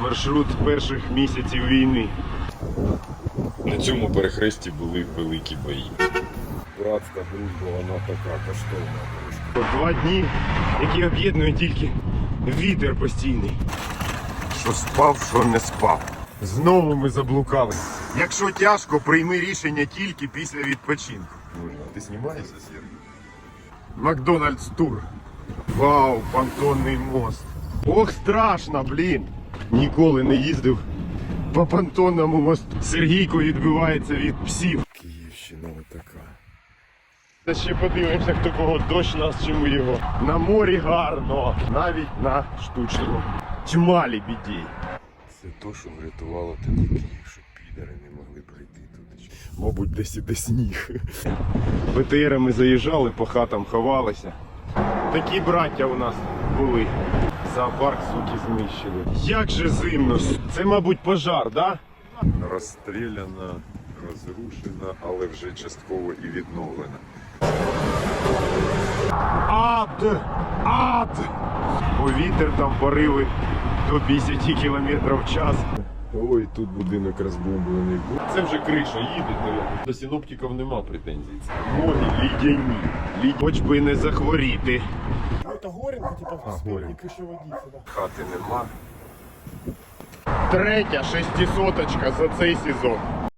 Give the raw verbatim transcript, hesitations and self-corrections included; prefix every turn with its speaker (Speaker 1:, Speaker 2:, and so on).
Speaker 1: Маршрут перших місяців війни.
Speaker 2: На цьому перехресті були великі бої. Братська дружба, вона така коштовна трошки.
Speaker 1: Два дні, які об'єднує тільки вітер постійний. Що спав, що не спав. Знову ми заблукали. Якщо тяжко, прийми рішення тільки після відпочинку.
Speaker 2: А ти знімаєшся, Сергій?
Speaker 1: Макдональдс тур. Вау, понтонний мост. Ох, страшно, блін. Ніколи не їздив по понтонному мосту. Сергійко відбивається від псів.
Speaker 2: Київщина отака.
Speaker 1: Та ще подивимося, хто кого, дощ нас чи ми його. На морі гарно, навіть на штучному. Чималі біді.
Speaker 2: Це то, що врятувало тоді Київ, щоб підари не могли прийти туди.
Speaker 1: Мабуть, десь іде сніг. Б Т Рами заїжджали, по хатам ховалися. Такі браття у нас були. Зоопарк, суки, знищили. Як же зимно. Це, мабуть, пожар, да?
Speaker 2: Розстріляна, розрушена, але вже частково і відновлена.
Speaker 1: Ад! Ад! Бо вітер там пориви до п'ятдесят кілометрів в час.
Speaker 2: Ой, тут будинок розбомблений.
Speaker 1: Це вже криша їде, то до синоптиків нема претензій. Ноги лідяні. Лід... Хоч би не захворіти.
Speaker 3: Ну, это Горенко, типа, в спине
Speaker 2: Горенко.
Speaker 3: кишеводица, да.
Speaker 2: Хати нема.
Speaker 1: Третя шестисоточка за цей сезон.